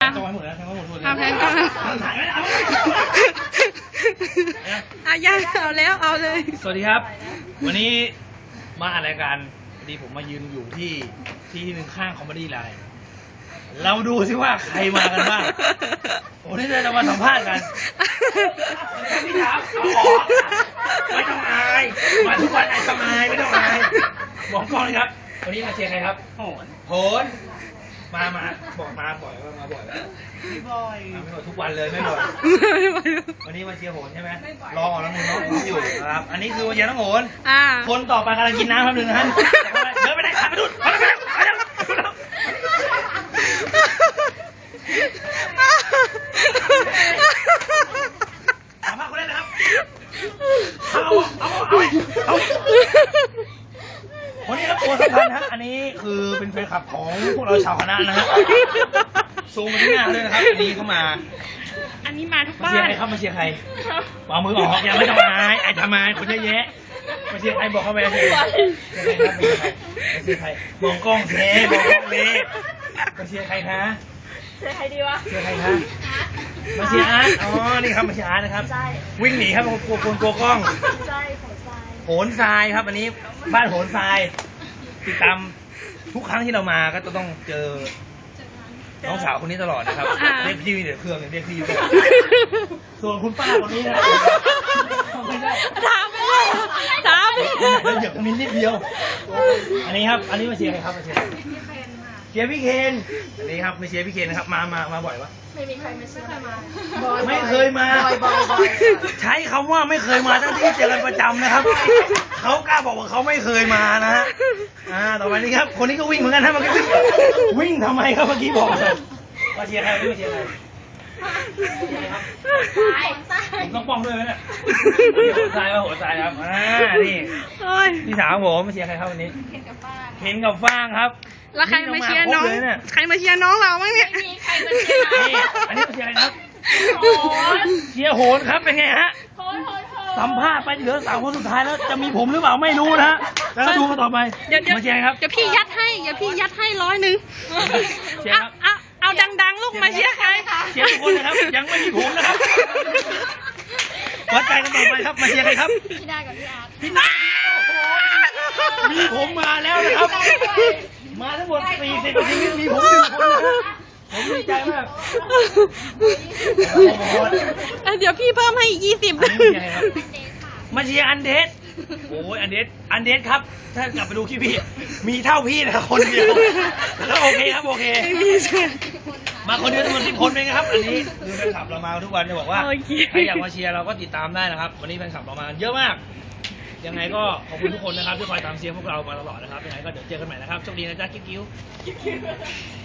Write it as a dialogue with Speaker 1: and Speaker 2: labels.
Speaker 1: ต้องไว้หมดแล้วทั้งหมดเลย
Speaker 2: แพนก็
Speaker 1: ถ่ายไม่เอา
Speaker 2: ยังเอาแล้วเอาเลย
Speaker 1: สวัสดีครับ วันนี้มาอ่านรายการพอดีผมมายืนอยู่ที่หนึ่งข้างคอมเมดี้ไลน์เราดูสิว่าใครมากันบ้างวันนี้เราจะมาสัมภาษณ์กันพี่ถามเอาออกไม่ต้องอายมาทุกวันไอ้ทำไมไม่ต้องอายบอกกล้องเลยครับวันนี้มาเชียร์ใครครับโหนมาบอกมาบ่อยว่ามาบ่อยแล้วไม่บ่อยทุกวันเลยไม่บ่อยวันนี้มาเชียร์โหนใช่ไหมรอออกแล้วน้องโหนอยู่ครับอันนี้คือมาเชียร์น้องโหนคนต่อไปกำลังกินน้ำครับหนึ่งท่านเดินไปไหนขับไปดูไปถามว่าคนแรกนะครับเอาคนนี้ครับตัวสำคัญฮะอันนี้คือเป็นแฟนคลับของพวกเราชาวคณะนะฮะซูมมาที่หน้าเลยนะครับอันนี้เข้ามา
Speaker 2: อันนี้มาทุกบ้าน
Speaker 1: มาเชียร์ใครครับมาเชียร์ใครเอามือออกยังไม่ต้องอายไอ้ทำไมคนเยอะแยะมาเชียร์ใครบอกเข้าไปมาเชียร์ใครมาเชียร์ใครมองกล้องเทมองกล้องเลยมาเชียร์ใครคะ
Speaker 2: เชียร์ใครดีวะ
Speaker 1: เชียร์ใครคะมาเชียร์อาร์ตอ๋อนี่ครับมาเชียร์อาร์ตนะครับวิ่งหนีครับกลัวกล้องโหนทรายครับอันนี้บ้านโหนทรายติดตามทุกครั้งที่เรามาก็จะต้องเจอน้องสาวคนนี้ตลอดนะครับเรียกพี่เดี๋ยวเครื่องเรียกพี่ด้วยส่วนคุณป้าคนนี้นะ
Speaker 2: ถาม
Speaker 1: เหยียบตรงนี้นิดเดียวอันนี้ครับอันนี้มาเชียร์ใครครับมาเชียร์เชียร์พี่เคนอันนี้ครับมาเชียร์พี่เคนนะครับมาบ่อยปะ
Speaker 2: ไม่มีใครมาเชียร์มา
Speaker 1: ไม่เคยมาใช้คำว่าไม่เคยมาทั้งที่เจอกันประจำนะครับเขากล้าบอกว่าเขาไม่เคยมานะฮะต่อไปนี้ครับคนนี้ก็วิ่งเหมือนกันนะเมื่อกี้วิ่งทำไมครับเมื่อกี้บอกมาเชียร์ใครมาเชียร์ใครผมต้องป้องด้วยไหมเนี่ยหัวใจว่าหัวใจครับนี่พี่สาวผมมาเชียร์ใครครับวันนี้เห็นกับฟางครับ
Speaker 2: แล้วใครมาเชียร์น้องใครมาเชียร์น้องเราบ้างเนี่ย
Speaker 3: ไม่มีใครมาเชียร์
Speaker 1: นี่อันนี้มาเชียร์อะไรครับเชียร์โหนครับเป็นไงฮะสัมภาษณ์ไปเหลือ3 คนสุดท้ายแล้วจะมีผมหรือเปล่าไม่รู้นะฮะแล้วก็ดูกันต่อไปมาเชียร์ครับ
Speaker 2: เดี๋ยวพี่ยัดให้100เอาดังๆลูกมาเชียร์ใคร
Speaker 1: เชียร์ทุกคนนะครับยังไม่มีผมนะครับวัดใจกันต่อไปครับมาเชียร์ใครครับ
Speaker 3: พี่ได้กับพี่อาร์ต
Speaker 1: พี่นามีผมมาแล้วนะครับมาทั้งหมด40 นาทีมีผม1 คนนะผมดีใจมาก
Speaker 2: เดี๋ยวพี่เพิ่มให้20
Speaker 1: มาเชียร์อันเดสโอ้ยอันเดสครับถ้ากลับไปดูคลิปพี่มีเท่าพี่นะคนเดียวแล้วโอเคครับโอเคมาคนเดียวทั้งหมด10 คนเองครับอันนี้คือแฟนคลับเรามาทุกวันจะบอกว่าใครอยากมาเชียร์เราก็ติดตามได้นะครับวันนี้แฟนคลับเรามาเยอะมากยังไงก็ขอบคุณทุกคนนะครับที่คอยตามเชียร์พวกเรามาตลอดนะครับยังไงก็เดี๋ยวเจอกันใหม่นะครับโชคดีนะจ๊ะกิ๊ว